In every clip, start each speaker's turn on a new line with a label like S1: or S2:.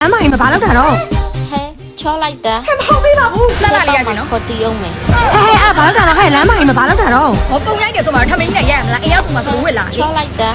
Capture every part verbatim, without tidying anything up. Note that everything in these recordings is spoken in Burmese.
S1: အမကြီးမဘာလုပ်တာတော့
S2: ဟဲချောလိုက်တာ
S1: ဟဲ့မဟုတ်သေးပါဘူး
S3: လှလှလေးရပြီနော်
S2: ခေါ်တီးအောင်မယ်
S1: ဟဲ့ဟဲ့အဘာလုပ်တာတော့ဟဲ့လမ်းမကြီးမဘာလုပ်တာတော့
S3: ဟောပုံရိုက်တယ်ဆိုမှထမင်းနဲ့ရရမလားအိမ်ရောက်ဆိုမှသူဝစ်လာ
S2: ချောလိုက်တာ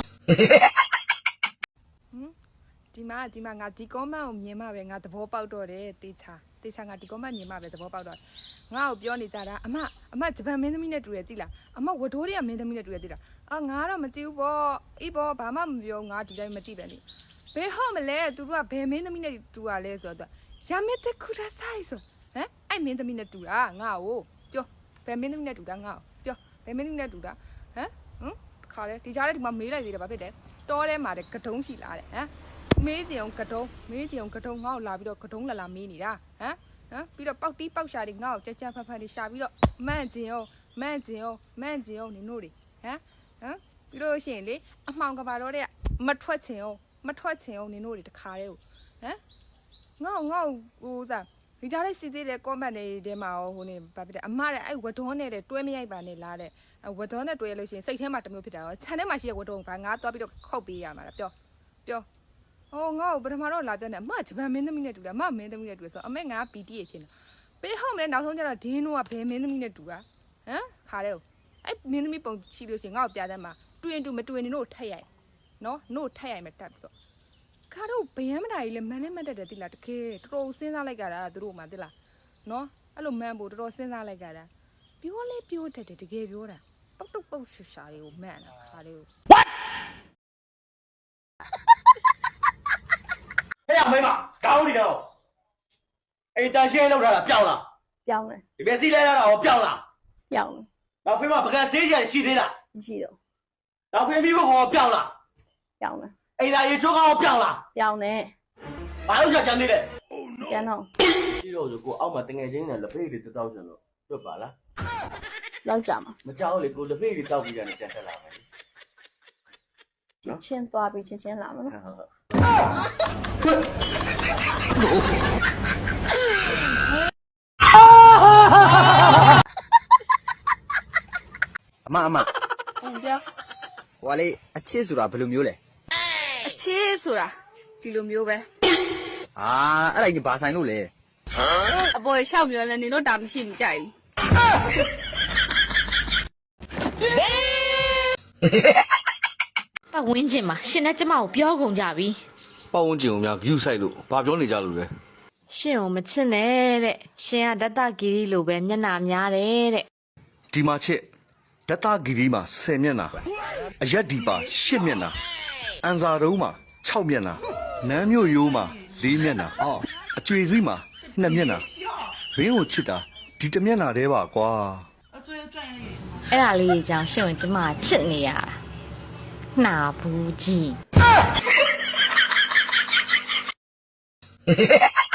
S4: ဒီမှာဒီမှာငါဒီကောမန့်ကိုမြင်မှပဲငါသဘောပေါက်တော့တယ်တေချာတေချာငါဒီကောမန့်မြင်မှပဲသဘောပေါက်တော့ငါ့ကိုပြောနေကြတာအမအမဂျပန်မင်းသမီးနဲ့တူတယ်သိလားအမဝဒိုးတွေကမင်းသမီးနဲ့တူတယ်သိလားအာငါတော့မသိဘူးပေါ့အေးပေါ့ဘာမှမပြောငါဒီတိုင်းမသိပဲနေဘယ်ဟုတ်မလဲသူတို့ကဘယ်မင်းသမီးနဲ့တူရလဲဆိုတော့ရမက်တခုရဆိုင်ဆိုဟမ်အဲ့မင်းသမီးနဲ့တူတာငါ့ကိုပြောဘယ်မင်းသမီးနဲ့တူတာငါ့ကိုပြောဘယ်မင်းသမီးနဲ့တူတာဟမ်ဟမ်ခါလေဒီကြားထဲဒီမှာမေးလိုက်သေးတယ်ဘာဖြစ်တယ်တောထဲမှာတဲ့ကတုံးရှိလာတဲ့ဟမ်မေးကြည့်အောင်ကတုံးမေးကြည့်အောင်ကတုံးငါ့ကိုလာပြီးတော့ကတုံးလာလာမေးနေတာဟမ်ဟမ်ပြီးတော့ပေါက်တီးပေါက်ရှာတွေငါ့ကိုကြက်ကြက်ဖက်ဖက်တွေရှာပြီးတော့မန့်ကျင်အောင်မန့်ကျင်အောင်မန့်ကျင်အောင်နင်တို့တွေဟမ်ဟမ်ပြီးတော့ရှင်လေအမှောင်ကဘာတော့တဲ့မထွက်ချင်အောင်မထွက်ချင်အောင်နင်တို့တွေတခါတည်းကိုဟမ်ငါ့ငါ့ဟိုစားဒီကြားထဲစီသေးတဲ့ comment တွေထဲမှာဟိုနေဘာဖြစ်လဲအမတဲ့အဲ့ဝဒေါနဲ့တဲ့တွဲမရိုက်ပါနဲ့လားတဲ့ဝဒေါနဲ့တွဲလို့ရှိရင်စိတ်ထဲမှာတမျိုးဖြစ်တာရောခြံထဲမှာရှိတဲ့ဝဒေါဘာငါသွားပြီးတော့ခုတ်ပေးရမှာလားပြောပြောဟိုငါ့ကိုပထမတော့လာပြောနေအမဂျပန်မင်းသမီးနဲ့တူတယ်အမမင်းသမီးနဲ့တူတယ်ဆိုအမေငါပီတီရဖြစ်နေပေးဟုတ်မလဲနောက်ဆုံးကျတော့ဒင်းတို့ကဘယ်မင်းသမီးနဲ့တူတာဟမ်ခါတဲ့အဲ့မင်းသမီးပုံချီလို့ရှိရင်ငါ့ကိုပြတဲ့မှာတွင်တူမတွင်နေတို့ထက်ရိုက်နော်တို့ထက်ရိုက်မယ်တက်ပြီးတော့ခါတော့ဘယမ်းမတာကြီးလဲမန်းလဲမတ်တက်တယ်တိလားတကယ်တော်တော်စဉ်းစားလိုက်ကြတာသူတို့မှတိလားနော်အဲ့လိုမန်းဖို့တော်တော်စဉ်းစားလိုက်ကြတာပြောလဲပြောတတ်တယ်တကယ်ပြောတာပုတ်တုတ်ပုတ်ရှာရှာတွေကိုမန်းတာခါလေးကို what
S5: ဟဲ့ရမိမကောင်းနေတော့အိမ်တန်ရှင်းလောက်ထားတာပြောင်းလား
S6: ပြောင်းတယ်
S5: ဒီမျက်စိလဲရတာဟောပြောင်းလား
S6: ပြောင်းတယ်
S5: နောက်ဖေးမပကံဆေးကြရှိသေးလား
S6: မရှိတော့
S5: နောက်ဖေးပြီးဖို့ဟောပြောင်းလား
S6: ပြောင်းတယ်
S5: အိမ်သာရေချိုးကောင်းပြောင်းလား
S6: ပြောင်းတယ်
S5: ဘာလို့ချက်ကြမ်းနေလဲ
S6: ကျန်တော့
S5: ရှိတော့ဆိုကိုအောက်မှာတငယ်ချင်းနဲ့လက်ဖေးတွေတောက်ချင်လို့တွတ်ပါလား
S6: လောက်ကြမှာ
S5: မကြောက်လေကိုလက်ဖေးတွေတောက်ပြီးရတယ်ပြန်တက်လာမယ်
S6: ချင်းချင်းသွားပြီးချင်းချင်းလာမှာနော်
S7: အမအမ
S1: ဟုတ်ပြော
S7: ဟိုကလေအချစ်ဆိုတာဘယ်လိုမျိုးလဲ
S1: အချစ်ဆိုတာဒီလိုမျိုးပဲ
S7: အာအဲ့ဒါကြီးဘာဆိုင်လို့လဲ
S1: အပေါ်ရှောက်ပြောလဲနေတော့ဒါမရှိမကြိုက်
S2: ပတ်ဝန်းကျင်မှာရှင်နဲ့ကျမကိုပြောကုန်ကြပြီ
S8: ပတ်ဝန်းကျင်ကိုများဂရုစိုက်လို့ဘာပြောနေကြလို့လဲ
S2: ရှင်ကိုမချစ်နဲ့တဲ့ရှင်ကဒတ္တဂီရီလိုပဲမျက်နှာများတယ်တဲ့
S8: ဒီမှာချစ်ဒတ္တဂီရီမှာဆယ်မျက်နှာအရက်ဒီပါရှစ်မျက်နှာအန်စာတုံးမှာခြောက်မျက်နှာနန်းမြို့ရိုးမှာလေးမျက်နှာအော်အကျွေစီးမှာနှစ်မျက်နှာဘင်းကိုချစ်တာဒီတစ်မျက်နှာတည်းပါကွာ
S2: အဲ့ဒါလေးကြောင့်ရှင်ကိုကျမချစ်နေရတာနှာဘူးကြီး